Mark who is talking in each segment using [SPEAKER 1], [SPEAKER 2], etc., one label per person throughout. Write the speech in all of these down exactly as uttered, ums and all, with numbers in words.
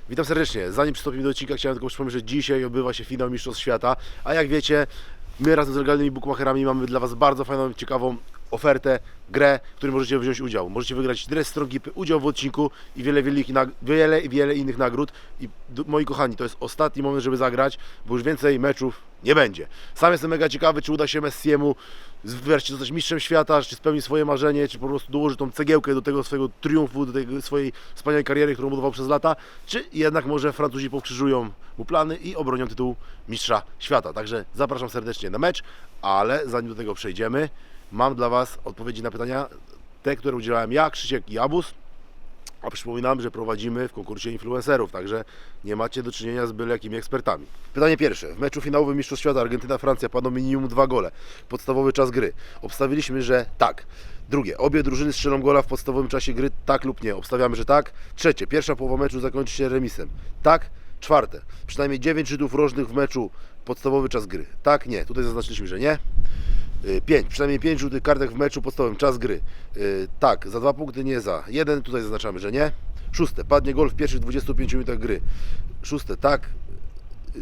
[SPEAKER 1] Witam serdecznie. Zanim przystąpimy do odcinka, chciałem tylko przypomnieć, że dzisiaj odbywa się finał Mistrzostw Świata, a jak wiecie, my razem z legalnymi bookmacherami mamy dla Was bardzo fajną, ciekawą ofertę, grę, w której możecie wziąć udział. Możecie wygrać dres Strongipy, udział w odcinku i wiele, wiele, wiele, wiele innych nagród. I moi kochani, to jest ostatni moment, żeby zagrać, bo już więcej meczów nie będzie. Sam jestem mega ciekawy, czy uda się Messiemu wreszcie zostać mistrzem świata, czy spełni swoje marzenie, czy po prostu dołoży tą cegiełkę do tego swojego triumfu, do tej swojej wspaniałej kariery, którą budował przez lata, czy jednak może Francuzi pokrzyżują mu plany i obronią tytuł mistrza świata. Także zapraszam serdecznie na mecz, ale zanim do tego przejdziemy, mam dla Was odpowiedzi na pytania, te, które udzielałem ja, Krzysiek i Abus. A przypominam, że prowadzimy w konkursie influencerów, także nie macie do czynienia z byle jakimi ekspertami. Pytanie pierwsze. W meczu finałowym Mistrzostw Świata Argentyna-Francja padło minimum dwa gole. Podstawowy czas gry. Obstawiliśmy, że tak. Drugie. Obie drużyny strzelą gola w podstawowym czasie gry, tak lub nie. Obstawiamy, że tak. Trzecie. Pierwsza połowa meczu zakończy się remisem. Tak. Czwarte. Przynajmniej dziewięć rzutów rożnych w meczu, podstawowy czas gry. Tak, nie. Tutaj zaznaczyliśmy, że nie. pięć. Przynajmniej pięć żółtych kartek w meczu podstawowym. Czas gry. Yy, tak, za dwa punkty, nie za jeden. Tutaj zaznaczamy, że nie. Szóste. Padnie gol w pierwszych dwudziestu pięciu minutach gry. Szóste. Tak yy,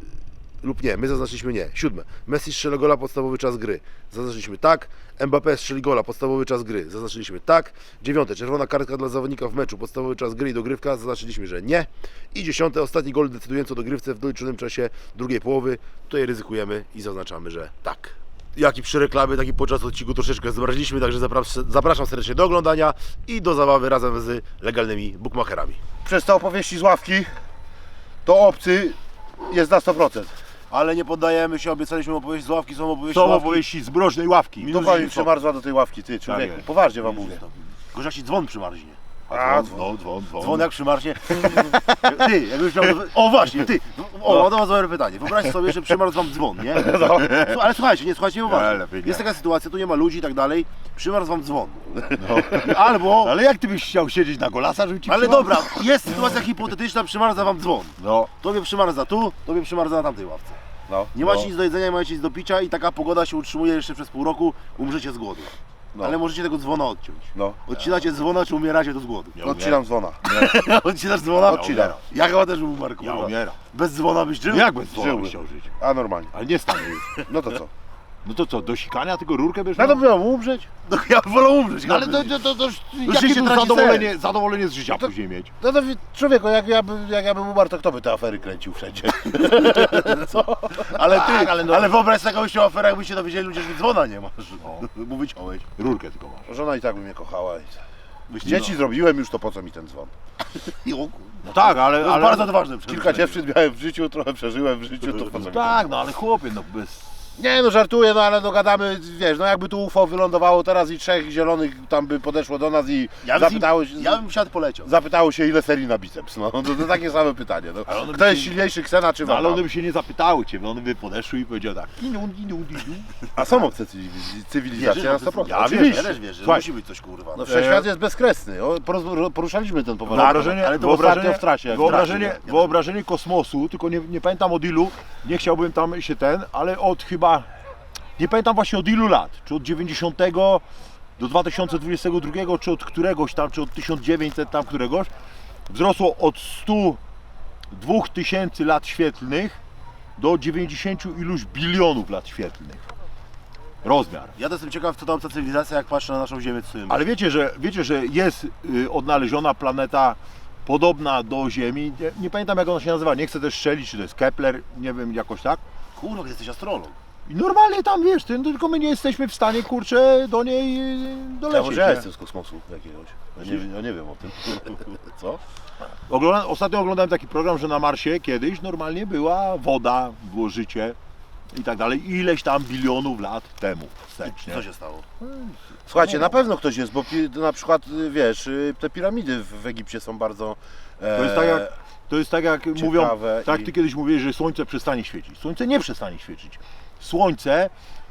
[SPEAKER 1] lub nie. My zaznaczyliśmy nie. Siódme. Messi strzela gola, podstawowy czas gry. Zaznaczyliśmy tak. Mbappé strzeli gola, podstawowy czas gry. Zaznaczyliśmy tak. Dziewiąte. Czerwona kartka dla zawodnika w meczu, podstawowy czas gry i dogrywka. Zaznaczyliśmy, że nie. I dziesiąte. Ostatni gol decydujący o dogrywce w doliczonym czasie drugiej połowy. Tutaj ryzykujemy i zaznaczamy, że tak. Jak i przy reklamie, tak i podczas odcinku troszeczkę zmraziliśmy, także zapraszam serdecznie do oglądania i do zabawy razem z legalnymi bookmacherami.
[SPEAKER 2] Przez te opowieści z ławki, to obcy jest na sto procent.
[SPEAKER 1] Ale nie poddajemy się, obiecaliśmy opowieści z ławki, są opowieści
[SPEAKER 2] Są
[SPEAKER 1] z ławki.
[SPEAKER 2] opowieści z mroźnej ławki.
[SPEAKER 1] To
[SPEAKER 2] To pani przymarzła do tej ławki, ty człowieku,
[SPEAKER 1] Tak.
[SPEAKER 2] poważnie wam mówię.
[SPEAKER 1] Gorzej jak ci dzwon przymarznie.
[SPEAKER 2] A, dzwon, dzwon, dzwon.
[SPEAKER 1] Dzwon jak przymarznie. Ty, jakbyś miał... O właśnie, ty. O,
[SPEAKER 2] No.
[SPEAKER 1] no. to dobre pytanie. Wyobraź sobie, że przymarł wam dzwon, nie?
[SPEAKER 2] No.
[SPEAKER 1] Ale słuchajcie, nie słuchajcie, nie
[SPEAKER 2] Nie,
[SPEAKER 1] uważaj.
[SPEAKER 2] lepiej nie.
[SPEAKER 1] Jest taka sytuacja, tu nie ma ludzi i tak dalej. Przymarł wam dzwon.
[SPEAKER 2] No.
[SPEAKER 1] Albo...
[SPEAKER 2] Ale jak ty byś chciał siedzieć na golasa, żeby ci
[SPEAKER 1] Ale
[SPEAKER 2] przymarł?
[SPEAKER 1] dobra, jest sytuacja hipotetyczna, przymarza wam dzwon.
[SPEAKER 2] No,
[SPEAKER 1] Tobie przymarza tu, tobie przymarza na tamtej ławce.
[SPEAKER 2] no.
[SPEAKER 1] Nie macie
[SPEAKER 2] no.
[SPEAKER 1] nic do jedzenia, nie macie nic do picia i taka pogoda się utrzymuje jeszcze przez pół roku, umrzecie z głodu.
[SPEAKER 2] No.
[SPEAKER 1] Ale możecie tego dzwona odciąć.
[SPEAKER 2] No.
[SPEAKER 1] Odcinacie dzwona, czy umieracie to z głodu?
[SPEAKER 2] Ja Odcinam dzwona.
[SPEAKER 1] Odcinasz dzwona?
[SPEAKER 2] Odcinam.
[SPEAKER 1] Ja chyba też bym umarł,
[SPEAKER 2] Ja
[SPEAKER 1] kurwa.
[SPEAKER 2] umieram.
[SPEAKER 1] Bez dzwona byś żył?
[SPEAKER 2] Jak bez dzwona
[SPEAKER 1] Żyłbym.
[SPEAKER 2] byś chciał żyć?
[SPEAKER 3] A normalnie.
[SPEAKER 2] Ale nie stanę już.
[SPEAKER 3] No to co?
[SPEAKER 2] No to co, do sikania tylko rurkę bierz?
[SPEAKER 3] No to miałem umrzeć?
[SPEAKER 1] No ja wolę umrzeć.
[SPEAKER 2] Ale
[SPEAKER 1] chyba.
[SPEAKER 2] to, to, to, to
[SPEAKER 1] życie
[SPEAKER 2] jakie tu
[SPEAKER 1] traci
[SPEAKER 2] zadowolenie, zadowolenie z życia
[SPEAKER 3] to-
[SPEAKER 2] później mieć?
[SPEAKER 3] No to wi- człowieku, jak ja, by, jak ja bym umarł, to kto by te afery kręcił wszędzie?
[SPEAKER 1] Ale ty,
[SPEAKER 2] Tak, ale
[SPEAKER 1] ale,
[SPEAKER 2] no-
[SPEAKER 1] ale wyobraź sobie taką się aferę, jakby się dowiedzieli ludzie, że dzwona nie masz. Bo wyciąłeś.
[SPEAKER 2] Rurkę tylko masz.
[SPEAKER 3] Żona i tak by mnie kochała. I...
[SPEAKER 1] Byś
[SPEAKER 3] Dzieci zrobiłem już, to po co mi ten dzwon?
[SPEAKER 1] No.
[SPEAKER 2] No tak, ale...
[SPEAKER 1] To jest
[SPEAKER 2] ale...
[SPEAKER 1] bardzo ważne.
[SPEAKER 3] Kilka dziewczyn miałem w życiu, trochę przeżyłem w życiu, to po co mi ten...
[SPEAKER 2] Tak, no ale chłopie, no bez...
[SPEAKER 3] Nie no, żartuję, no ale dogadamy, wiesz, no jakby tu U F O wylądowało teraz i trzech zielonych tam by podeszło do nas i
[SPEAKER 1] Ja bym,
[SPEAKER 3] zapytało się...
[SPEAKER 1] ja bym siadł poleciał.
[SPEAKER 3] Zapytało się, ile serii na biceps, no to, to takie same pytanie, no.
[SPEAKER 2] Ale one
[SPEAKER 3] Kto
[SPEAKER 2] by
[SPEAKER 3] jest
[SPEAKER 2] się-
[SPEAKER 3] silniejszy, Ksena czy
[SPEAKER 2] No, ale
[SPEAKER 3] Wanda?
[SPEAKER 2] one by się nie zapytały cię, one by podeszły i powiedziały tak. Inu, inu, inu.
[SPEAKER 3] A są obce cywiliz- cywilizacje na sto procent.
[SPEAKER 1] Ja
[SPEAKER 3] Oczywiście.
[SPEAKER 1] wiesz, ja też wiesz, że
[SPEAKER 2] Słuchaj.
[SPEAKER 1] musi być coś kurwa.
[SPEAKER 3] No wszechświat jest bezkresny, o, poroz- poruszaliśmy ten poważny
[SPEAKER 2] Wyobrażenie,
[SPEAKER 1] ale to
[SPEAKER 2] wyobrażenie,
[SPEAKER 3] ostatnio w trasie, jak
[SPEAKER 2] wyobrażenie,
[SPEAKER 1] w trasie, nie?
[SPEAKER 2] wyobrażenie kosmosu, tylko nie, nie pamiętam od ilu, nie chciałbym tam się ten, ale od chyba, nie pamiętam właśnie od ilu lat, czy od dziewięćdziesiątego do dwa tysiące dwudziestego drugiego, czy od któregoś tam, czy od tysiąc dziewięćset tam któregoś, wzrosło od stu dwóch tysięcy lat świetlnych do dziewięćdziesięciu iluś bilionów lat świetlnych. Rozmiar.
[SPEAKER 1] Ja to jestem ciekaw, co ta obca cywilizacja, jak patrzę na naszą Ziemię, co
[SPEAKER 2] Ale wiecie, że, wiecie, że jest y, odnaleziona planeta podobna do Ziemi. Nie, nie pamiętam jak ona się nazywa, nie chcę też strzelić, czy to jest Kepler, nie wiem, jakoś tak.
[SPEAKER 1] Kurwa, jesteś astrolog.
[SPEAKER 2] I normalnie tam wiesz, ty, no, tylko my nie jesteśmy w stanie, kurczę, do niej y,
[SPEAKER 3] Ja
[SPEAKER 2] dolecieć.
[SPEAKER 3] może ja
[SPEAKER 2] nie?
[SPEAKER 3] jestem z kosmosu jakiegoś. Ja nie, ja nie wiem o tym. Co?
[SPEAKER 2] Ogląda, ostatnio oglądałem taki program, że na Marsie kiedyś normalnie była woda, było życie i tak dalej. Ileś tam bilionów lat temu wstecz, nie?
[SPEAKER 1] Co się stało?
[SPEAKER 3] Słuchajcie, na pewno ktoś jest, bo pi- na przykład, y, wiesz, y, te piramidy w, w Egipcie są bardzo... E,
[SPEAKER 2] To jest tak jak, to jest tak jak mówią, tak
[SPEAKER 3] i-
[SPEAKER 2] ty kiedyś mówiłeś, że słońce przestanie świecić. Słońce nie przestanie świecić. Słońce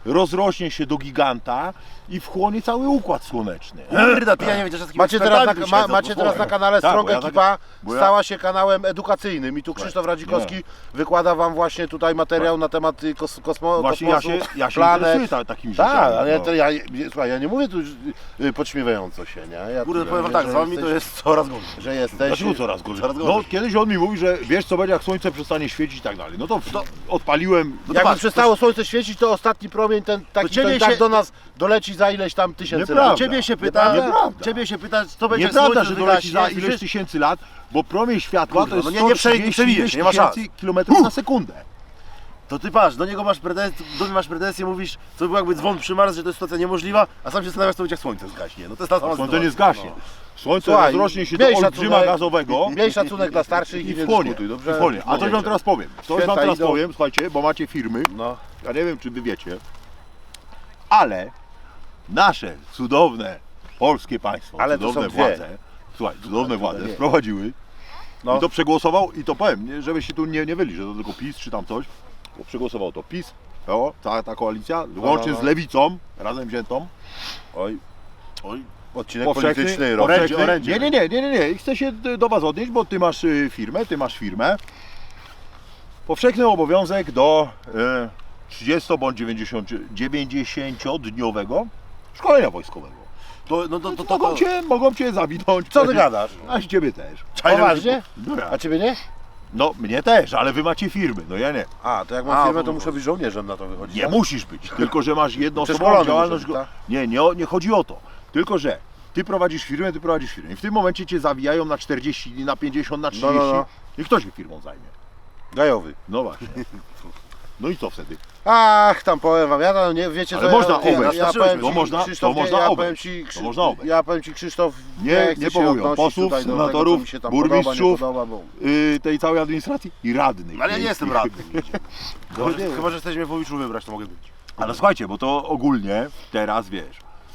[SPEAKER 2] rozrośnie się do giganta i wchłonie cały układ słoneczny.
[SPEAKER 1] Kurde, ty ja nie wiem, że z
[SPEAKER 3] Macie teraz, na,
[SPEAKER 1] ekspertami
[SPEAKER 3] ma,
[SPEAKER 1] siedzą,
[SPEAKER 3] macie
[SPEAKER 1] to
[SPEAKER 3] teraz na
[SPEAKER 1] słuchaj.
[SPEAKER 3] kanale
[SPEAKER 2] Tak,
[SPEAKER 3] Strong
[SPEAKER 2] bo ja tak-
[SPEAKER 3] Ekipa
[SPEAKER 2] bo ja-
[SPEAKER 3] stała się kanałem edukacyjnym i tu Krzysztof Radzikowski wykłada wam właśnie tutaj materiał na temat y, kos, kosmo,
[SPEAKER 2] Właśnie ja
[SPEAKER 3] kosmosu,
[SPEAKER 2] się, ja się
[SPEAKER 3] planet.
[SPEAKER 2] interesuję ta, takimi rzeczami.
[SPEAKER 3] Tak, ale
[SPEAKER 2] no.
[SPEAKER 3] to ja, słuchaj, ja nie mówię tu y, podśmiewająco się, nie? Ja
[SPEAKER 1] Kurde,
[SPEAKER 3] tu
[SPEAKER 1] powiem wam
[SPEAKER 3] mówię,
[SPEAKER 1] tak,
[SPEAKER 3] że
[SPEAKER 1] z wami to
[SPEAKER 3] jesteś-
[SPEAKER 1] jest coraz gorzej.
[SPEAKER 3] Że jesteś...
[SPEAKER 2] Dlaczego coraz gorzej?
[SPEAKER 1] Coraz
[SPEAKER 2] No
[SPEAKER 1] gorzej.
[SPEAKER 2] kiedyś on mi mówi, że wiesz co będzie jak słońce przestanie świecić i tak dalej. No to, to odpaliłem. No to
[SPEAKER 3] Jakby
[SPEAKER 2] patrz,
[SPEAKER 3] przestało słońce świecić, to ostatni promień ten taki to
[SPEAKER 1] ciebie
[SPEAKER 3] i tak
[SPEAKER 1] się-
[SPEAKER 3] do nas doleci za ileś tam tysięcy
[SPEAKER 2] Nieprawda.
[SPEAKER 3] lat.
[SPEAKER 1] Ciebie się pyta,
[SPEAKER 2] Nieprawda.
[SPEAKER 1] ciebie się pyta, co będzie jak
[SPEAKER 2] Nieprawda,
[SPEAKER 1] słońce
[SPEAKER 2] że doleci za
[SPEAKER 1] wygaśnie,
[SPEAKER 2] ileś
[SPEAKER 1] słyszysz?
[SPEAKER 2] tysięcy lat, bo promień światła
[SPEAKER 1] Kurwa,
[SPEAKER 2] to jest
[SPEAKER 1] no nie- nie prze- nie
[SPEAKER 2] sto trzydzieści
[SPEAKER 1] przebijesz, nie ma szans.
[SPEAKER 2] tysięcy kilometrów na sekundę.
[SPEAKER 1] To ty patrz, do niego masz pretensje, do mnie masz pretensje, mówisz, co by było jakby dzwon przymarł, że to jest sytuacja niemożliwa, a sam się zastanawiasz, co będzie jak słońce zgaśnie. No to jest ta sama
[SPEAKER 2] Słońce nie
[SPEAKER 1] sytuacja.
[SPEAKER 2] zgaśnie. Słońce
[SPEAKER 3] Słuchaj,
[SPEAKER 2] rozrośnie się do
[SPEAKER 3] miej
[SPEAKER 2] olbrzyma
[SPEAKER 3] szacunek-
[SPEAKER 2] gazowego
[SPEAKER 3] Miej szacunek dla starszych i,
[SPEAKER 2] i
[SPEAKER 3] nie
[SPEAKER 2] wchłonie.
[SPEAKER 3] dyskutuj,
[SPEAKER 2] I
[SPEAKER 3] dobrze?
[SPEAKER 2] wchłonie. A coś wam
[SPEAKER 3] Dobrze.
[SPEAKER 2] teraz powiem. Coś wam
[SPEAKER 3] Święta
[SPEAKER 2] teraz
[SPEAKER 3] idą.
[SPEAKER 2] powiem, słuchajcie, bo macie firmy.
[SPEAKER 3] No.
[SPEAKER 2] Ja nie wiem, czy wy wiecie, ale nasze cudowne polskie państwo,
[SPEAKER 3] Ale to
[SPEAKER 2] cudowne
[SPEAKER 3] są dwie.
[SPEAKER 2] władze, słuchaj, cudowne władze
[SPEAKER 3] dwie.
[SPEAKER 2] wprowadziły
[SPEAKER 3] No.
[SPEAKER 2] i to przegłosował i to powiem, nie, żeby się tu nie, nie wyli, że to tylko PiS czy tam coś, bo przegłosował to PiS, P O, cała ta koalicja, łącznie
[SPEAKER 3] no, no.
[SPEAKER 2] z Lewicą, razem wziętą,
[SPEAKER 3] Oj,
[SPEAKER 1] Oj,
[SPEAKER 3] odcinek
[SPEAKER 2] powszechny,
[SPEAKER 3] polityczny, rok.
[SPEAKER 2] powszechny,
[SPEAKER 1] orędzie.
[SPEAKER 2] nie, nie, nie, nie, nie, nie, i chcę się d- do was odnieść, bo ty masz y, firmę, ty masz firmę, powszechny obowiązek do e, trzydziesto bądź dziewięćdziesięciodniowego szkolenia wojskowego.
[SPEAKER 1] to, no to, to, to,
[SPEAKER 2] Mogą
[SPEAKER 1] to,
[SPEAKER 2] cię, mogą cię zawinąć.
[SPEAKER 3] Co ty
[SPEAKER 2] powiedzieć,
[SPEAKER 3] gadasz?
[SPEAKER 2] A z ciebie też.
[SPEAKER 3] Poważnie?
[SPEAKER 2] No, ja.
[SPEAKER 3] A ciebie nie?
[SPEAKER 2] no mnie też, ale wy macie firmy, no ja nie.
[SPEAKER 3] A, to jak mam
[SPEAKER 1] A,
[SPEAKER 3] firmę,
[SPEAKER 1] bo-
[SPEAKER 3] to muszę być żołnierzem na to wychodzić.
[SPEAKER 2] Nie
[SPEAKER 3] tak?
[SPEAKER 2] musisz być, tylko że masz jednoosobową
[SPEAKER 3] Przeszkolony
[SPEAKER 2] działalność.
[SPEAKER 3] muszę być, tak?
[SPEAKER 2] Nie, nie, o- nie chodzi o to. Tylko że ty prowadzisz firmę, ty prowadzisz firmę. I w tym momencie cię zawijają na czterdzieści dni, na pięćdziesiąt, na trzydzieści.
[SPEAKER 3] No, no, no.
[SPEAKER 2] I kto się firmą zajmie?
[SPEAKER 3] Gajowy.
[SPEAKER 2] No właśnie. No i co wtedy?
[SPEAKER 3] Ach, tam powiem wam, ja tam nie wiecie
[SPEAKER 2] Ale
[SPEAKER 3] co,
[SPEAKER 2] można
[SPEAKER 3] ja, ja,
[SPEAKER 2] obejść.
[SPEAKER 3] ja powiem
[SPEAKER 2] To
[SPEAKER 3] ci,
[SPEAKER 2] można-
[SPEAKER 3] Krzysztof,
[SPEAKER 2] to można
[SPEAKER 3] ja
[SPEAKER 2] obejść.
[SPEAKER 3] powiem ci,
[SPEAKER 2] To
[SPEAKER 3] Krzy-
[SPEAKER 2] można obejść.
[SPEAKER 3] ja powiem ci Krzysztof,
[SPEAKER 2] Nie,
[SPEAKER 3] chcę
[SPEAKER 2] nie
[SPEAKER 3] się
[SPEAKER 2] powołują
[SPEAKER 3] odnosić
[SPEAKER 2] posłów,
[SPEAKER 3] tutaj do
[SPEAKER 2] senatorów,
[SPEAKER 3] tego, co mi się tam
[SPEAKER 2] burmistrzów.
[SPEAKER 3] Podoba, nie podoba, bo...
[SPEAKER 2] Yy, tej całej administracji i radnych.
[SPEAKER 1] ale ja nie jestem
[SPEAKER 2] miejskich.
[SPEAKER 1] radnym. Chyba, że, chyba, że chcesz mnie w Wojiczu wybrać, to mogę być.
[SPEAKER 2] Ale słuchajcie, bo to ogólnie teraz wiesz.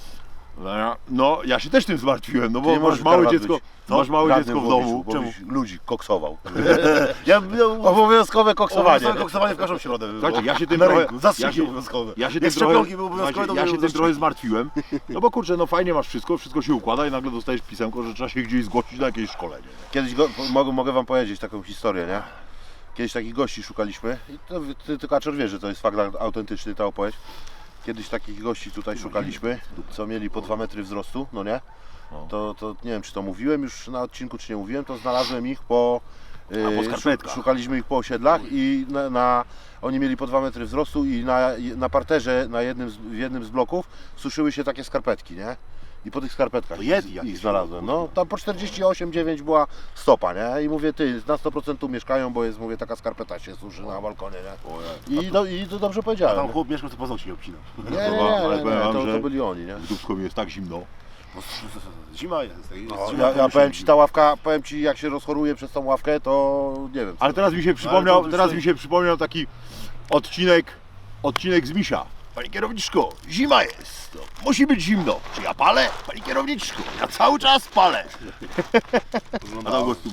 [SPEAKER 2] No, ja się też tym zmartwiłem, no
[SPEAKER 3] Ty
[SPEAKER 2] bo
[SPEAKER 3] nie
[SPEAKER 2] masz
[SPEAKER 3] możesz
[SPEAKER 2] małe
[SPEAKER 3] karwać
[SPEAKER 2] dziecko,
[SPEAKER 3] być.
[SPEAKER 2] masz małe
[SPEAKER 3] Radnym
[SPEAKER 2] dziecko w
[SPEAKER 3] Wojiczu,
[SPEAKER 2] domu.
[SPEAKER 3] bo
[SPEAKER 2] Czemu?
[SPEAKER 3] byś ludzi koksował.
[SPEAKER 1] Ja, ja,
[SPEAKER 3] Obowiązkowe koksowanie.
[SPEAKER 1] Obowiązkowe koksowanie w każdą środę by było.
[SPEAKER 2] Słuchajcie, ja się tym
[SPEAKER 1] Na
[SPEAKER 2] trochę,
[SPEAKER 1] rynku, zastrzyki
[SPEAKER 2] ja się,
[SPEAKER 1] obowiązkowe.
[SPEAKER 2] ja się
[SPEAKER 1] Jak
[SPEAKER 2] tym trochę,
[SPEAKER 1] szczepionki były obowiązkowe,
[SPEAKER 2] słuchajcie,
[SPEAKER 1] to
[SPEAKER 2] ja
[SPEAKER 1] były
[SPEAKER 2] się tym
[SPEAKER 1] zastrzyki.
[SPEAKER 2] trochę zmartwiłem, no bo kurczę, no fajnie masz wszystko, wszystko się układa i nagle dostajesz pisemko, że trzeba się gdzieś zgłosić na jakieś szkolenie.
[SPEAKER 3] Kiedyś go, mogę, mogę wam powiedzieć taką historię, nie? Kiedyś takich gości szukaliśmy i to, ty, ty Kaczor wie, że to jest fakt autentyczny ta opowieść. Kiedyś takich gości tutaj szukaliśmy, co mieli po dwa metry wzrostu, no nie? To, to nie wiem, czy to mówiłem już na odcinku, czy nie mówiłem, to znalazłem ich po...
[SPEAKER 2] A, po
[SPEAKER 3] yy,
[SPEAKER 2] skarpetkach.
[SPEAKER 3] szukaliśmy ich po osiedlach i na, na, oni mieli po dwa metry wzrostu i na, na parterze, na jednym z, w jednym z bloków suszyły się takie skarpetki, nie? I po tych skarpetkach
[SPEAKER 1] To Yeti
[SPEAKER 3] ich,
[SPEAKER 1] jakieś
[SPEAKER 3] ich znalazłem. No, tam po czterdzieści osiem dziewięć była stopa, nie? I mówię, ty, na sto procent tu mieszkają, bo jest, mówię, taka skarpeta się suszy na balkonie, nie? I, no, i to dobrze
[SPEAKER 1] A
[SPEAKER 3] powiedziałem.
[SPEAKER 1] tam
[SPEAKER 3] nie?
[SPEAKER 1] chłop mieszkał, to paznokcie obcinał.
[SPEAKER 3] Nie, nie, nie,
[SPEAKER 2] Ale
[SPEAKER 3] nie,
[SPEAKER 2] powiem
[SPEAKER 3] nie
[SPEAKER 2] wam,
[SPEAKER 3] to,
[SPEAKER 2] że-
[SPEAKER 3] to byli oni, nie?
[SPEAKER 2] W Dubsku mi jest tak zimno.
[SPEAKER 1] Zima jest. jest
[SPEAKER 3] No,
[SPEAKER 1] zima,
[SPEAKER 3] ja,
[SPEAKER 1] to
[SPEAKER 3] ja
[SPEAKER 1] musi
[SPEAKER 3] powiem
[SPEAKER 1] być.
[SPEAKER 3] ci, ta ławka, powiem ci, jak się rozchoruje przez tą ławkę, to nie wiem. co
[SPEAKER 2] Ale
[SPEAKER 3] to
[SPEAKER 2] teraz mi się
[SPEAKER 1] Ale
[SPEAKER 2] przypomniał,
[SPEAKER 1] to-
[SPEAKER 2] teraz
[SPEAKER 1] to-
[SPEAKER 2] mi się przypomniał taki odcinek, odcinek z Misia. Pani kierowniczko, zima jest, to musi być zimno. Czy ja palę? Pani kierowniczko, ja cały czas palę. A tam gościu,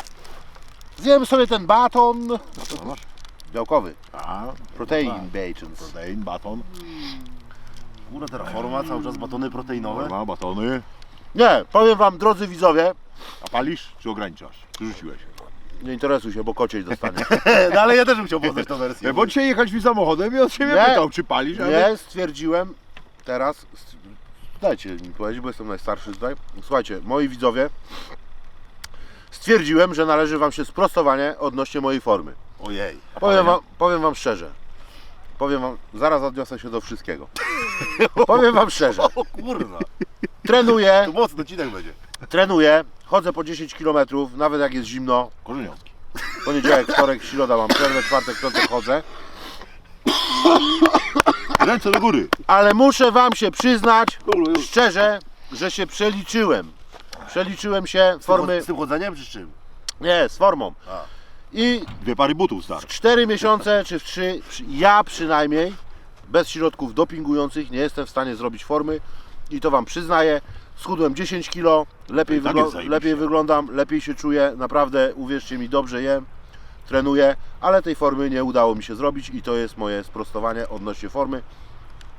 [SPEAKER 3] Zjem sobie ten baton.
[SPEAKER 2] co masz?
[SPEAKER 3] Białkowy.
[SPEAKER 2] A,
[SPEAKER 3] Protein
[SPEAKER 2] tak.
[SPEAKER 3] bacons.
[SPEAKER 2] protein, baton,
[SPEAKER 1] Kurde, teraz forma, cały czas batony proteinowe.
[SPEAKER 2] norma, batony.
[SPEAKER 3] Nie, powiem wam, drodzy widzowie,
[SPEAKER 2] A palisz, czy ograniczasz? Czy rzuciłeś?
[SPEAKER 3] nie interesuj się, bo kociej dostanie.
[SPEAKER 1] No ale ja też bym chciał poznać tę wersję.
[SPEAKER 2] Nie, bo dzisiaj jechać mi samochodem i od siebie
[SPEAKER 3] Nie.
[SPEAKER 2] pytał, czy palisz, ale...
[SPEAKER 3] Nie, stwierdziłem teraz, st- dajcie mi powiedzieć, bo jestem najstarszy tutaj. Słuchajcie, moi widzowie, stwierdziłem, że należy wam się sprostowanie odnośnie mojej formy.
[SPEAKER 1] Ojej.
[SPEAKER 3] Powiem wam, powiem wam szczerze. Powiem wam, zaraz odniosę się do wszystkiego. Powiem wam szczerze.
[SPEAKER 1] O kurwa.
[SPEAKER 3] Trenuję,
[SPEAKER 1] To mocny odcinek będzie.
[SPEAKER 3] trenuję, chodzę po dziesięć kilometrów, nawet jak jest zimno.
[SPEAKER 2] Korzeniowski.
[SPEAKER 3] Poniedziałek, wtorek, środa mam przerwę, czwartek, piątek chodzę.
[SPEAKER 2] Ręce do góry.
[SPEAKER 3] Ale muszę wam się przyznać, szczerze, że się przeliczyłem. Przeliczyłem się formy,
[SPEAKER 1] Z tym chodzeniem czy z czym?
[SPEAKER 3] nie, z formą.
[SPEAKER 1] A.
[SPEAKER 3] I
[SPEAKER 2] Dwie pary butów stary.
[SPEAKER 3] w cztery miesiące, czy w trzy, ja przynajmniej, bez środków dopingujących, nie jestem w stanie zrobić formy. I to wam przyznaję, schudłem dziesięć kilo, lepiej,
[SPEAKER 2] I tak
[SPEAKER 3] wyglo-
[SPEAKER 2] jest zajebiście.
[SPEAKER 3] lepiej wyglądam, lepiej się czuję, naprawdę, uwierzcie mi, dobrze jem, trenuję, ale tej formy nie udało mi się zrobić i to jest moje sprostowanie odnośnie formy.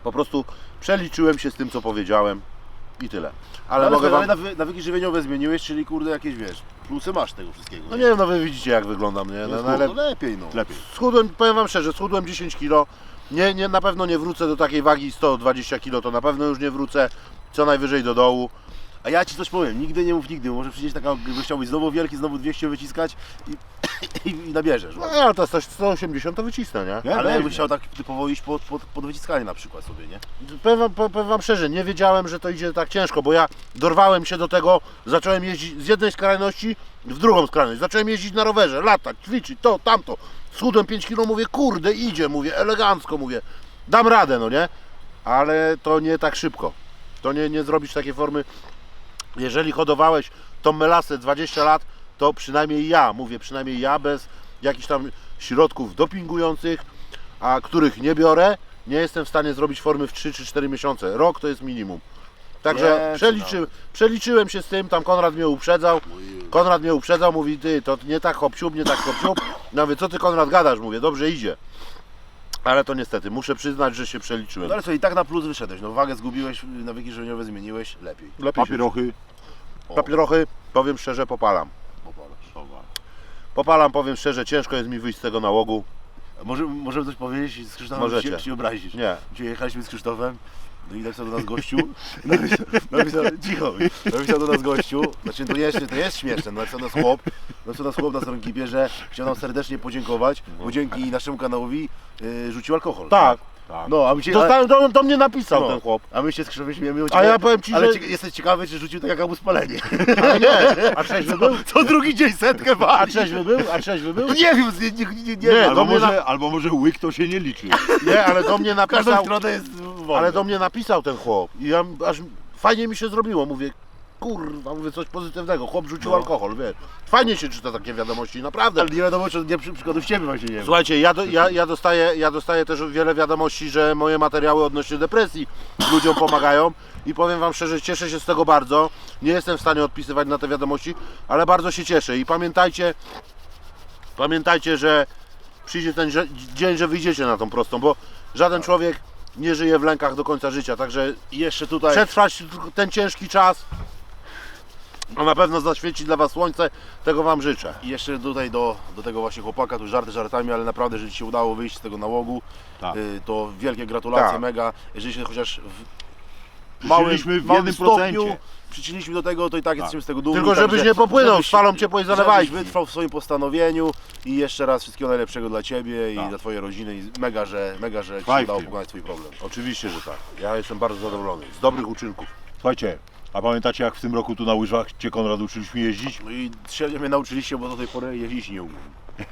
[SPEAKER 3] Po prostu przeliczyłem się z tym, co powiedziałem i tyle. Ale,
[SPEAKER 1] Ale,
[SPEAKER 3] mogę
[SPEAKER 1] ale
[SPEAKER 3] wam...
[SPEAKER 1] nawy- nawyki żywieniowe zmieniłeś, czyli kurde jakieś, wiesz, plusy masz tego wszystkiego.
[SPEAKER 3] No nie wiem, no wy widzicie jak wyglądam, nie? No,
[SPEAKER 1] no,
[SPEAKER 3] no, ale
[SPEAKER 1] no lepiej no.
[SPEAKER 2] Lepiej.
[SPEAKER 3] schudłem, powiem wam szczerze, schudłem dziesięć kilo. Nie, nie, na pewno nie wrócę do takiej wagi sto dwadzieścia kilo, to na pewno już nie wrócę. Co najwyżej do dołu.
[SPEAKER 1] A ja ci coś powiem, nigdy nie mów nigdy, może przyjść taka gościowość znowu wielki, znowu dwieście wyciskać i, i, i nabierzesz.
[SPEAKER 3] No ale to jest sto osiemdziesiąt to wycisnę, nie?
[SPEAKER 2] Nie,
[SPEAKER 1] Ale jakbyś
[SPEAKER 2] weźmie.
[SPEAKER 1] chciał tak typowo iść pod, pod, pod wyciskanie na przykład sobie, nie?
[SPEAKER 3] Powiem wam, powiem wam szczerze, nie wiedziałem, że to idzie tak ciężko, bo ja dorwałem się do tego, zacząłem jeździć z jednej skrajności w drugą skrajność. Zacząłem jeździć na rowerze, latać, ćwiczyć, to, tamto. Schudłem pięć kilo, mówię, kurde, idzie, mówię, elegancko, mówię, dam radę, no nie? Ale to nie tak szybko. To nie, nie zrobisz takiej formy. Jeżeli hodowałeś tą melasę dwadzieścia lat, to przynajmniej ja, mówię, przynajmniej ja bez jakichś tam środków dopingujących, a których nie biorę, nie jestem w stanie zrobić formy w trzy czy cztery miesiące. Rok to jest minimum. Także
[SPEAKER 1] Nie,
[SPEAKER 3] przeliczy, przeliczyłem się z tym, tam Konrad mnie uprzedzał. Konrad mnie uprzedzał, mówi, ty, to nie tak hop-siup, nie tak hop-siup. Ja mówię, co ty Konrad gadasz? Mówię, dobrze idzie. Ale to niestety, muszę przyznać, że się przeliczyłem.
[SPEAKER 1] No ale co, i tak na plus wyszedłeś, no wagę zgubiłeś, nawyki żywieniowe zmieniłeś, lepiej.
[SPEAKER 3] Lepiej się-
[SPEAKER 2] Papierochy.
[SPEAKER 3] Papierochy, powiem szczerze, popalam. Popalam, powiem szczerze, ciężko jest mi wyjść z tego nałogu.
[SPEAKER 1] Może, możemy coś powiedzieć z Krzysztofem,
[SPEAKER 3] Możecie.
[SPEAKER 1] czy się obrazisz?
[SPEAKER 3] Nie.
[SPEAKER 1] Dzisiaj jechaliśmy z Krzysztofem, no i napisał do nas gościu, napisał, napisał, cicho, napisał do nas gościu, znaczy to jest, to jest śmieszne, no napisał do nas chłop, napisał do nas chłop na stronie ekipie, że chciał nam serdecznie podziękować, bo dzięki naszemu kanałowi y, rzucił alkohol.
[SPEAKER 3] Tak.
[SPEAKER 2] Tak.
[SPEAKER 1] No, a my się,
[SPEAKER 3] Dostałem, do, do mnie napisał
[SPEAKER 1] no,
[SPEAKER 3] ten chłop.
[SPEAKER 1] a my się z Krzysztofem śmiejemy,
[SPEAKER 3] A ja powiem ci,
[SPEAKER 1] ale
[SPEAKER 3] że-
[SPEAKER 1] cie, jesteś ciekawy, czy rzucił tak jak mu spalenie.
[SPEAKER 3] Ale nie, a trzeźwy był?
[SPEAKER 1] Co drugi dzień setkę
[SPEAKER 3] A
[SPEAKER 1] wali.
[SPEAKER 3] trzeźwy był? A trzeźwy był?
[SPEAKER 1] No nie wiem, nie, nie, nie, nie,
[SPEAKER 3] Nie,
[SPEAKER 1] wiem.
[SPEAKER 3] do
[SPEAKER 2] Albo
[SPEAKER 3] mnie
[SPEAKER 2] może, albo może łyk to się nie liczy.
[SPEAKER 3] Nie, ale do mnie
[SPEAKER 1] W każdą
[SPEAKER 3] napisał,
[SPEAKER 1] stronę jest wolny.
[SPEAKER 3] ale do mnie napisał ten chłop. I ja aż fajnie mi się zrobiło, mówię, kurwa, mówię coś pozytywnego, chłop rzucił
[SPEAKER 1] No.
[SPEAKER 3] alkohol, wiesz. Fajnie się czyta takie wiadomości, naprawdę.
[SPEAKER 1] Ale nie wiadomo, czy nie przy, przykładów ciebie właśnie nie wiem.
[SPEAKER 3] Słuchajcie, ja, do, ja, ja, dostaję, ja dostaję też wiele wiadomości, że moje materiały odnośnie depresji ludziom pomagają i powiem wam szczerze, cieszę się z tego bardzo. Nie jestem w stanie odpisywać na te wiadomości, ale bardzo się cieszę i pamiętajcie, pamiętajcie, że przyjdzie ten że- dzień, że wyjdziecie na tą prostą, bo żaden człowiek nie żyje w lękach do końca życia, także
[SPEAKER 1] I jeszcze tutaj...
[SPEAKER 3] przetrwać ten ciężki czas, a na pewno zaświeci dla was słońce, tego wam życzę.
[SPEAKER 1] I jeszcze tutaj do, do tego właśnie chłopaka, tu żarty żartami, ale naprawdę, że Ci się udało wyjść z tego nałogu,
[SPEAKER 2] Tak.
[SPEAKER 1] y, to wielkie gratulacje,
[SPEAKER 3] Tak.
[SPEAKER 1] mega. Jeżeli się chociaż w małym,
[SPEAKER 2] Przyczyniliśmy w
[SPEAKER 1] małym
[SPEAKER 2] jednym
[SPEAKER 1] stopniu
[SPEAKER 2] procencie.
[SPEAKER 1] przyczyniliśmy do tego, to i tak jesteśmy z tego dumni.
[SPEAKER 3] Tylko żebyś
[SPEAKER 1] także
[SPEAKER 3] nie popłynął
[SPEAKER 1] żebyś-
[SPEAKER 3] z falą ciepłej zalewajki.
[SPEAKER 1] Żebyś wytrwał w swoim postanowieniu i jeszcze raz wszystkiego najlepszego dla Ciebie i
[SPEAKER 2] Tak.
[SPEAKER 1] dla Twojej rodziny i mega, że, mega, że Ci się
[SPEAKER 2] Trwaj w
[SPEAKER 1] udało
[SPEAKER 2] tym.
[SPEAKER 1] pokonać Twój problem.
[SPEAKER 3] Oczywiście, że tak. Ja jestem bardzo zadowolony z dobrych uczynków.
[SPEAKER 2] Słuchajcie, a pamiętacie jak w tym roku tu na łyżwach Cię Konrad uczyliśmy jeździć?
[SPEAKER 1] No i średnio mnie nauczyliście, bo do tej pory jeździć nie umiem.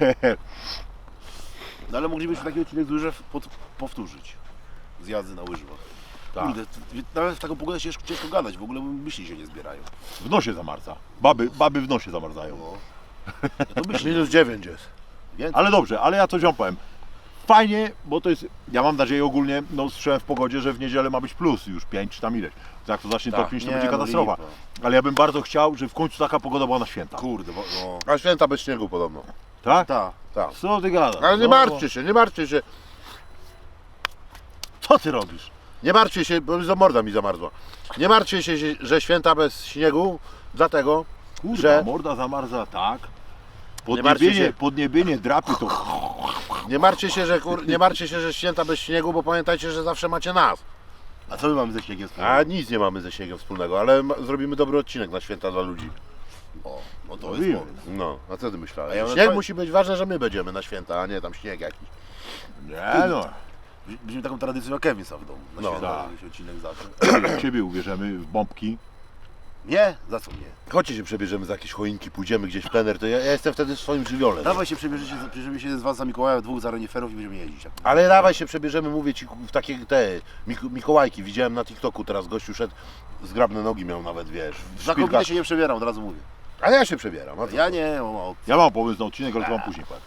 [SPEAKER 1] No ale moglibyśmy taki odcinek z łyżew pod, powtórzyć. Z jazdy na łyżwach.
[SPEAKER 2] Tak.
[SPEAKER 1] Kurde, t- nawet w taką pogodę ciężko, ciężko gadać, w ogóle myśli się nie zbierają.
[SPEAKER 2] W nosie zamarza. Baby, baby w nosie zamarzają.
[SPEAKER 1] No. Ja to myśli.
[SPEAKER 3] Minus dziewięć jest.
[SPEAKER 1] Więcej.
[SPEAKER 2] Ale dobrze, ale ja coś wam powiem. Fajnie, bo to jest, ja mam nadzieję ogólnie, no słyszałem w pogodzie, że w niedzielę ma być plus już pięć czy tam ileś. Jak to zacznie
[SPEAKER 1] Tak,
[SPEAKER 2] topnieć, to
[SPEAKER 1] nie,
[SPEAKER 2] będzie
[SPEAKER 1] no
[SPEAKER 2] katastrofa.
[SPEAKER 1] lipa.
[SPEAKER 2] Ale ja bym bardzo chciał, żeby w końcu taka pogoda była na święta.
[SPEAKER 1] Kurde, bo, no.
[SPEAKER 3] A święta bez śniegu podobno.
[SPEAKER 2] Tak?
[SPEAKER 1] Ta.
[SPEAKER 3] Tak.
[SPEAKER 2] Co ty gadasz?
[SPEAKER 3] Ale nie
[SPEAKER 2] No,
[SPEAKER 3] martwcie się, nie martwcie się.
[SPEAKER 2] Co ty robisz?
[SPEAKER 3] Nie martwcie się, bo za morda mi zamarzła. Nie martwcie się, że święta bez śniegu, dlatego,
[SPEAKER 2] Kurwa,
[SPEAKER 3] że
[SPEAKER 2] morda zamarza, tak.
[SPEAKER 3] Nie martwcie
[SPEAKER 2] Podniebienie,
[SPEAKER 3] się.
[SPEAKER 2] podniebienie drapie to...
[SPEAKER 3] nie martwcie się, że kur... nie martwcie się, że święta bez śniegu, bo pamiętajcie, że zawsze macie nas.
[SPEAKER 1] A co my mamy ze śniegiem
[SPEAKER 3] A
[SPEAKER 1] wspólnego?
[SPEAKER 3] nic nie mamy ze śniegiem wspólnego, ale ma... zrobimy dobry odcinek na święta dla ludzi.
[SPEAKER 1] O, no to
[SPEAKER 2] Mówiłem.
[SPEAKER 1] jest pomysł.
[SPEAKER 3] No, a co ty myślałeś?
[SPEAKER 1] A ja
[SPEAKER 3] Śnieg
[SPEAKER 1] na-
[SPEAKER 3] musi być ważne, że my będziemy na święta, a nie tam śnieg jakiś.
[SPEAKER 2] Nie no,
[SPEAKER 1] Będziemy taką tradycją jak Kevin sam w domu. Na
[SPEAKER 3] No,
[SPEAKER 1] święta
[SPEAKER 2] tak.
[SPEAKER 1] jakiś odcinek zawsze.
[SPEAKER 2] w Ciebie uwierzymy, w bombki.
[SPEAKER 1] Nie? Za co nie?
[SPEAKER 3] Chodźcie się przebierzemy za jakieś choinki, pójdziemy gdzieś w plener, to ja, ja jestem wtedy w swoim żywiole.
[SPEAKER 1] Dawaj się przebierzecie, przebierzemy się z Was za Mikołaja, dwóch za reniferów i będziemy jeździć.
[SPEAKER 3] Ale dawaj się przebierzemy, mówię ci, w takie te Mik- Mikołajki. Widziałem na TikToku teraz gościu szedł, zgrabne nogi miał nawet, wiesz. w
[SPEAKER 1] Za kobietę
[SPEAKER 3] szpilkach.
[SPEAKER 1] się nie przebieram, od razu mówię.
[SPEAKER 3] A ja się przebieram. A co?
[SPEAKER 1] Ja nie, mam opcji.
[SPEAKER 2] Ja mam pomysł na odcinek, ale to wam później powiem.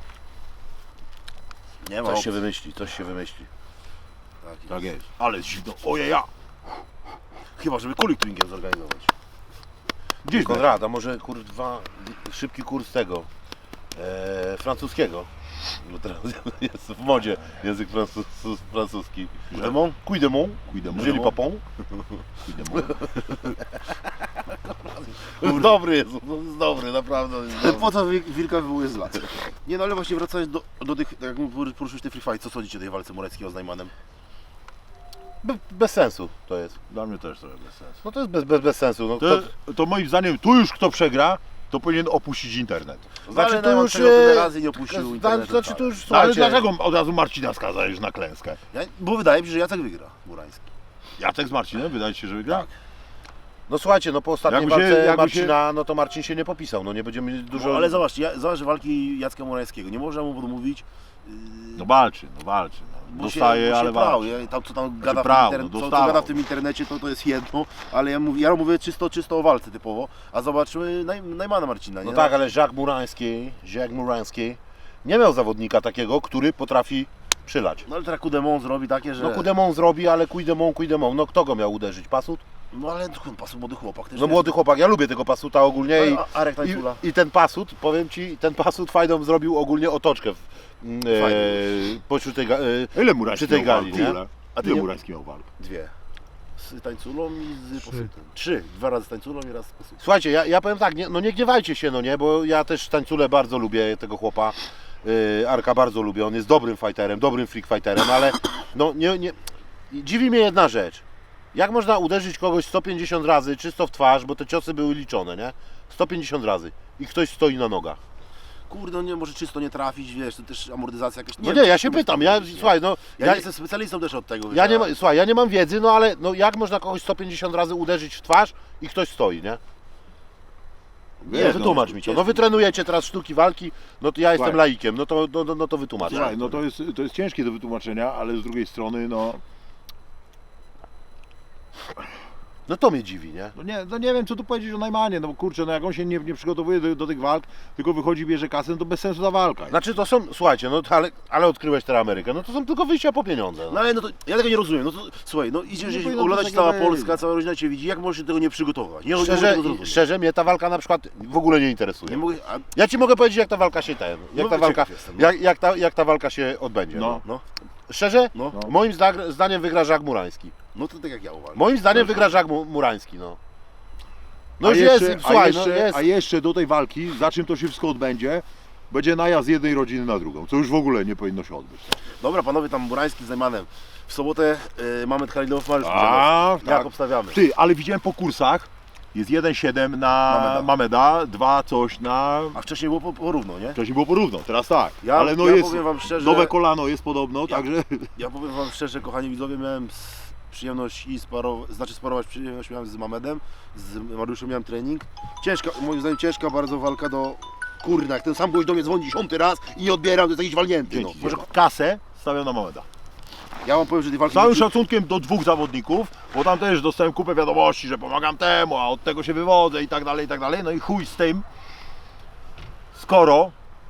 [SPEAKER 1] Nie ma
[SPEAKER 3] Coś
[SPEAKER 1] opcji.
[SPEAKER 3] się wymyśli, coś się wymyśli.
[SPEAKER 1] Tak,
[SPEAKER 2] Tak jest. Ale zimno. Ojeja.
[SPEAKER 1] Chyba, żeby kulik tuningiem zorganizować.
[SPEAKER 2] Gdzieś
[SPEAKER 3] Konrad, a może kurwa, szybki kurs tego. E, francuskiego. Bo teraz jest w modzie język francu, francuski.
[SPEAKER 1] Demon?
[SPEAKER 3] Cuy de mon,
[SPEAKER 2] Cuidemont.
[SPEAKER 3] Julie Papon.
[SPEAKER 2] Cuidemont.
[SPEAKER 3] Dobry jest, no jest dobry, naprawdę jest dobry.
[SPEAKER 1] Po co wi- wilka wywołuje z lat? Nie no, ale właśnie wracając do, do tych, tak jak poruszyłeś te free fight, co sądzicie o tej walce Moreckiego z Najmanem?
[SPEAKER 3] Be, bez sensu to jest.
[SPEAKER 2] Dla mnie też trochę bez sensu.
[SPEAKER 3] No to jest bez, bez, bez sensu. No,
[SPEAKER 2] To,
[SPEAKER 3] to,
[SPEAKER 2] to moim zdaniem, tu już kto przegra, to powinien opuścić internet.
[SPEAKER 3] znaczy
[SPEAKER 1] Ale
[SPEAKER 3] to
[SPEAKER 1] Najman
[SPEAKER 3] już...
[SPEAKER 1] tego tyle
[SPEAKER 3] e,
[SPEAKER 1] razy nie opuścił
[SPEAKER 3] zda-
[SPEAKER 1] internetu,
[SPEAKER 3] Znaczy
[SPEAKER 1] tak.
[SPEAKER 3] to już,
[SPEAKER 2] No, ale
[SPEAKER 3] słuchajcie,
[SPEAKER 2] dlaczego od razu Marcina skazałeś na klęskę?
[SPEAKER 1] Ja, bo wydaje mi się, że Jacek wygra, Murański.
[SPEAKER 2] Jacek z Marcinem, wydaje ci się, że wygra?
[SPEAKER 1] Tak.
[SPEAKER 3] no słuchajcie, no po ostatniej
[SPEAKER 2] Jakby się-
[SPEAKER 3] walce
[SPEAKER 2] jakby
[SPEAKER 3] Marcina, no to Marcin się nie popisał, no nie będziemy dużo...
[SPEAKER 1] No, ale zobaczcie, ja, zobacz walki Jacka Murańskiego, nie można mu odmówić, yy,
[SPEAKER 2] No walczy, no walczy. No.
[SPEAKER 1] bo
[SPEAKER 2] Dostaje,
[SPEAKER 1] się, bo
[SPEAKER 2] ale
[SPEAKER 1] się prał,
[SPEAKER 2] walczy.
[SPEAKER 1] ja, tam, co tam gada,
[SPEAKER 2] prał,
[SPEAKER 1] w, interne-
[SPEAKER 2] no,
[SPEAKER 1] co, co
[SPEAKER 2] dostawał.
[SPEAKER 1] gada w tym internecie, to, to jest jedno, ale ja mówię, ja mówię czysto, czysto o walce typowo, a zobaczmy Naj, Najmana Marcina, nie?
[SPEAKER 3] No tak, ale Jacques Murański, Jacques Murański nie miał zawodnika takiego, który potrafi przylać.
[SPEAKER 1] No ale teraz Kudemon zrobi takie, że...
[SPEAKER 3] No Kudemon zrobi, ale Kujdemon, Kujdemon, no kto go miał uderzyć? Pasut?
[SPEAKER 1] No ale no, pasu młody chłopak też
[SPEAKER 3] No
[SPEAKER 1] jest.
[SPEAKER 3] młody chłopak, ja lubię tego Pasuta ogólnie i,
[SPEAKER 1] A- a- Arek Tańcula.
[SPEAKER 3] i, i ten Pasut, powiem Ci, ten Pasut fajną zrobił ogólnie otoczkę w, e,
[SPEAKER 1] Fajnie.
[SPEAKER 3] pośród tej, ga- e,
[SPEAKER 2] Ile Murański
[SPEAKER 3] przy tej
[SPEAKER 2] miał
[SPEAKER 3] gali,
[SPEAKER 2] walk w
[SPEAKER 3] nie?
[SPEAKER 2] ogóle?
[SPEAKER 1] A ty
[SPEAKER 2] Ile
[SPEAKER 1] nie-
[SPEAKER 2] Murański miał walk?
[SPEAKER 1] Dwie. Z Tańculą i z Pasutem. Trzy. Dwa razy z Tańculą i raz z Pasutem.
[SPEAKER 3] Słuchajcie, ja, ja powiem tak, nie, no nie gniewajcie się, no nie, bo ja też Tańculę bardzo lubię, tego chłopa. Yy, Arka bardzo lubię, on jest dobrym fighterem, dobrym freak fighterem, ale no nie, nie... dziwi mnie jedna rzecz. Jak można uderzyć kogoś sto pięćdziesiąt razy czysto w twarz, bo te ciosy były liczone, nie? sto pięćdziesiąt razy i ktoś stoi na nogach.
[SPEAKER 1] Kurde, no nie, może czysto nie trafić, wiesz, to też amortyzacja jakaś...
[SPEAKER 3] No
[SPEAKER 1] wiem,
[SPEAKER 3] nie, ja
[SPEAKER 1] czy
[SPEAKER 3] się
[SPEAKER 1] to
[SPEAKER 3] pytam,
[SPEAKER 1] jest
[SPEAKER 3] ja,
[SPEAKER 1] powiedzieć, nie?
[SPEAKER 3] słuchaj, no...
[SPEAKER 1] Ja,
[SPEAKER 3] Ja,
[SPEAKER 1] nie jestem specjalistą też od tego, wiesz,
[SPEAKER 3] ja nie
[SPEAKER 1] a-
[SPEAKER 3] ma, słuchaj, ja nie mam wiedzy, no ale no jak można kogoś sto pięćdziesiąt razy uderzyć w twarz i ktoś stoi, nie? Nie,
[SPEAKER 2] Wiesz,
[SPEAKER 3] wytłumacz
[SPEAKER 1] no,
[SPEAKER 3] mi to.
[SPEAKER 1] ciężko.
[SPEAKER 3] No wy trenujecie teraz sztuki walki, no to ja jestem
[SPEAKER 2] Słuchaj.
[SPEAKER 3] laikiem, no to, no, no, no to wytłumacz.
[SPEAKER 2] Słuchaj, no to jest, to jest ciężkie do wytłumaczenia, ale z drugiej strony, no,
[SPEAKER 3] No to mnie dziwi, nie?
[SPEAKER 2] no, nie, no nie wiem co tu powiedzieć o Najmanie, no bo kurczę, no jak on się nie, nie przygotowuje do, do tych walk, tylko wychodzi, bierze kasę, no to bez sensu ta walka.
[SPEAKER 3] Znaczy to są, słuchajcie, no to ale, ale odkryłeś teraz Amerykę, no to są tylko wyjścia po pieniądze.
[SPEAKER 1] No
[SPEAKER 3] No.
[SPEAKER 1] ale no to, ja tego nie rozumiem, no to słuchaj, no idziesz
[SPEAKER 2] Nie
[SPEAKER 1] gdzieś,
[SPEAKER 2] powinno
[SPEAKER 1] oglądać
[SPEAKER 2] być
[SPEAKER 1] cała
[SPEAKER 2] takiego
[SPEAKER 1] Polska,
[SPEAKER 2] wyjścia.
[SPEAKER 1] cała rodzina Cię widzi, jak możesz się tego nie przygotować? Nie, nie mogę
[SPEAKER 3] Szczerze,
[SPEAKER 1] tego zrozumieć.
[SPEAKER 3] szczerze mnie ta walka na przykład w ogóle nie
[SPEAKER 1] Nie
[SPEAKER 3] interesuje.
[SPEAKER 1] mogę, a,
[SPEAKER 3] Ja Ci mogę powiedzieć jak ta walka się ten, jak
[SPEAKER 1] No,
[SPEAKER 3] ta walka,
[SPEAKER 1] ciekaw jestem, no.
[SPEAKER 3] jak, jak, ta, jak ta walka się odbędzie. No.
[SPEAKER 2] No.
[SPEAKER 1] no,
[SPEAKER 3] Szczerze?
[SPEAKER 1] no,
[SPEAKER 2] No.
[SPEAKER 3] Moim zda- zdaniem wygra Jacques Murański.
[SPEAKER 1] no to tak jak ja uważam.
[SPEAKER 3] Moim zdaniem wygra Jacques Mu- Murański, no. No
[SPEAKER 2] a,
[SPEAKER 3] już
[SPEAKER 2] jeszcze,
[SPEAKER 3] jest,
[SPEAKER 2] a,
[SPEAKER 3] słuchaj,
[SPEAKER 2] jeszcze,
[SPEAKER 3] no jest.
[SPEAKER 2] a jeszcze do tej walki, za czym to się wszystko odbędzie, będzie najazd jednej rodziny na drugą, co już w ogóle nie powinno się odbyć.
[SPEAKER 1] Dobra, panowie, tam Murański z Najmanem. W sobotę y, mamy Khalilow Mariusz
[SPEAKER 2] A,
[SPEAKER 1] Kurzanowski. Jak
[SPEAKER 2] tak.
[SPEAKER 1] obstawiamy?
[SPEAKER 2] Ty, ale widziałem po kursach, jest jeden siedem na
[SPEAKER 1] Mameda.
[SPEAKER 2] Mameda, dwa coś na...
[SPEAKER 1] A wcześniej było po- porówno, nie?
[SPEAKER 2] Wcześniej było porówno, teraz tak.
[SPEAKER 1] Ja-
[SPEAKER 2] ale no
[SPEAKER 1] ja
[SPEAKER 2] jest,
[SPEAKER 1] powiem wam szczerze-
[SPEAKER 2] nowe kolano jest podobno,
[SPEAKER 1] Ja-
[SPEAKER 2] także...
[SPEAKER 1] Ja powiem wam szczerze, kochani widzowie, miałem s- przyjemność i sparować, znaczy sparować przyjemność miałem z Mamedem, z Mariuszem miałem trening. Ciężka, moim zdaniem ciężka bardzo walka do... Kurna, jak ten sam gość do mnie dzwoni dziesiąty raz i nie odbieram, to jest jakiś walnięty, no.
[SPEAKER 2] Dzięki. Może kasę stawiam na Mameda.
[SPEAKER 1] Ja wam powiem, że tej walki...
[SPEAKER 2] Z całym szacunkiem do dwóch zawodników, bo tam też dostałem kupę wiadomości, że pomagam temu, a od tego się wywodzę i tak dalej, i tak dalej. No i chuj z tym, skoro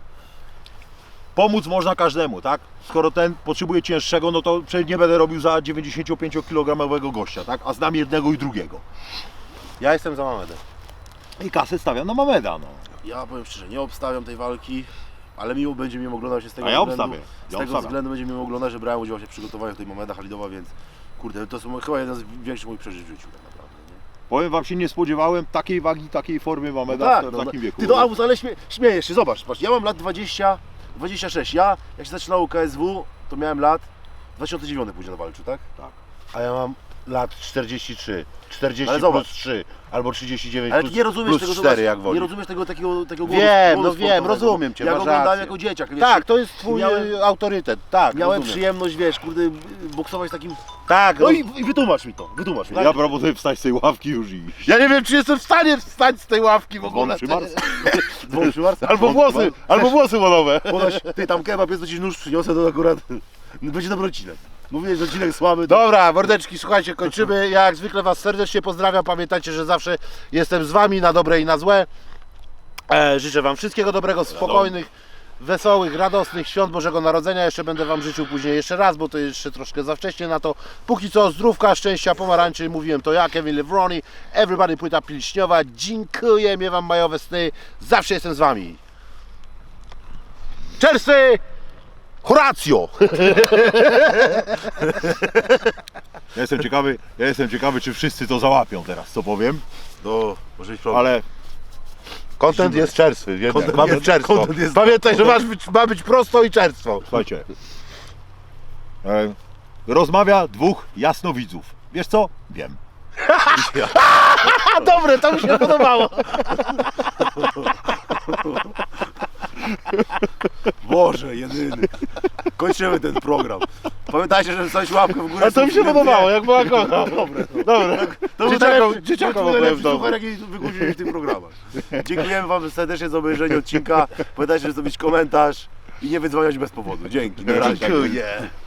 [SPEAKER 2] pomóc można każdemu, tak? Skoro ten potrzebuje cięższego, no to przecież nie będę robił za dziewięćdziesięciopęciokilogramowego gościa, tak? A znam jednego i drugiego.
[SPEAKER 3] Ja jestem za Mamedem.
[SPEAKER 2] I kasę stawiam na Mameda, no.
[SPEAKER 1] Ja powiem szczerze, nie obstawiam tej walki, ale miło będzie mi oglądać się z tego
[SPEAKER 2] A ja
[SPEAKER 1] względu.
[SPEAKER 2] obstawię,
[SPEAKER 1] Z
[SPEAKER 2] ja
[SPEAKER 1] tego
[SPEAKER 2] obstawiam.
[SPEAKER 1] względu będzie miło oglądać, że brałem udział w przygotowaniu tej Mameda Khalidowa, więc kurde, to są chyba jeden z większych moich przeżyć w życiu tak naprawdę, nie?
[SPEAKER 2] Powiem wam się, nie spodziewałem takiej wagi, takiej formy Mameda
[SPEAKER 1] tak,
[SPEAKER 2] w
[SPEAKER 1] no,
[SPEAKER 2] takim wieku.
[SPEAKER 1] Ty to Albus, ale śmie, śmiejesz się, zobacz, patrz, ja mam lat dwadzieścia, dwadzieścia sześć, ja jak się zaczynało K S W, to miałem lat dwa tysiące dziewiąty później walczył, tak?
[SPEAKER 3] A ja mam lat czterdzieści trzy. czterdzieści
[SPEAKER 1] Ale
[SPEAKER 3] plus
[SPEAKER 1] zobacz.
[SPEAKER 3] trzy albo trzydzieści dziewięć
[SPEAKER 1] Ale
[SPEAKER 3] plus,
[SPEAKER 1] ty nie rozumiesz
[SPEAKER 3] plus
[SPEAKER 1] tego,
[SPEAKER 3] cztery
[SPEAKER 1] zobacz,
[SPEAKER 3] jak
[SPEAKER 1] nie
[SPEAKER 3] woli.
[SPEAKER 1] rozumiesz tego takiego, takiego
[SPEAKER 3] Wiem,
[SPEAKER 1] głodu
[SPEAKER 3] no wiem,
[SPEAKER 1] sportowego.
[SPEAKER 3] rozumiem cię,
[SPEAKER 1] Ja go
[SPEAKER 3] masz
[SPEAKER 1] oglądałem
[SPEAKER 3] rację.
[SPEAKER 1] jako dzieciak, wiesz,
[SPEAKER 3] Tak, to jest twój
[SPEAKER 1] miałem-
[SPEAKER 3] e, autorytet, tak,
[SPEAKER 1] miałem
[SPEAKER 3] rozumiem.
[SPEAKER 1] przyjemność, wiesz, kurde, boksować z takim...
[SPEAKER 3] Tak,
[SPEAKER 1] No
[SPEAKER 3] roz-
[SPEAKER 1] i, i wytłumacz mi to, wytłumacz mi.
[SPEAKER 2] Ja proponuję wstać z tej ławki już i iść.
[SPEAKER 3] ja nie wiem, czy jestem w stanie wstać z tej ławki w ogóle.
[SPEAKER 2] Przymarz.
[SPEAKER 1] Dzwon przymarza.
[SPEAKER 3] Albo włosy, albo włosy łonowe.
[SPEAKER 1] Ponoć, ty tam kebab jest, to ci nóż przyniosę, to akurat będzie dobry odcinek. Mówiłeś, że odcinek słaby, to...
[SPEAKER 3] Dobra, mordeczki, słuchajcie, kończymy. Ja jak zwykle Was serdecznie pozdrawiam. Pamiętajcie, że zawsze jestem z Wami na dobre i na złe. E, życzę Wam wszystkiego dobrego, spokojnych, wesołych, radosnych świąt Bożego Narodzenia. Jeszcze będę Wam życzył później jeszcze raz, bo to jeszcze troszkę za wcześnie na to. Póki co zdrówka, szczęścia, pomarańczy. Mówiłem to ja, Kevin Lewroni. Everybody płyta pilśniowa. Dziękuję, miewam majowe sny. Zawsze jestem z Wami.
[SPEAKER 1] Czerwcy Horatio!
[SPEAKER 2] Ja jestem ciekawy, ja jestem ciekawy, czy wszyscy to załapią teraz, co powiem,
[SPEAKER 1] No, może być problem.
[SPEAKER 2] ale
[SPEAKER 3] Content jest czerstwy, jednak.
[SPEAKER 1] Content
[SPEAKER 3] ma
[SPEAKER 1] jest-
[SPEAKER 3] być czerstwo.
[SPEAKER 1] content jest-
[SPEAKER 3] Pamiętaj, że masz być, ma być prosto i czerstwo.
[SPEAKER 2] słuchajcie, e, rozmawia dwóch jasnowidzów. Wiesz co? Wiem.
[SPEAKER 1] A dobre, to mi się podobało. Boże, jedyny. Kończymy ten program. Pamiętajcie, żeby wstać łapkę w górę.
[SPEAKER 3] A to mi się podobało, jak była kocha.
[SPEAKER 1] Dobre.
[SPEAKER 3] Dobra.
[SPEAKER 1] To był
[SPEAKER 3] Dzieciakom,
[SPEAKER 1] najlepszy-
[SPEAKER 3] dzieciakom
[SPEAKER 1] to był
[SPEAKER 3] opowiem
[SPEAKER 1] najlepszy
[SPEAKER 3] w domu.
[SPEAKER 1] super, jaki wygłosiliśmy w tych programach. Dziękujemy wam serdecznie za obejrzenie odcinka. Pamiętajcie, żeby zrobić komentarz i nie wydzwaniać bez powodu. Dzięki. Na razie.
[SPEAKER 3] Dziękuję.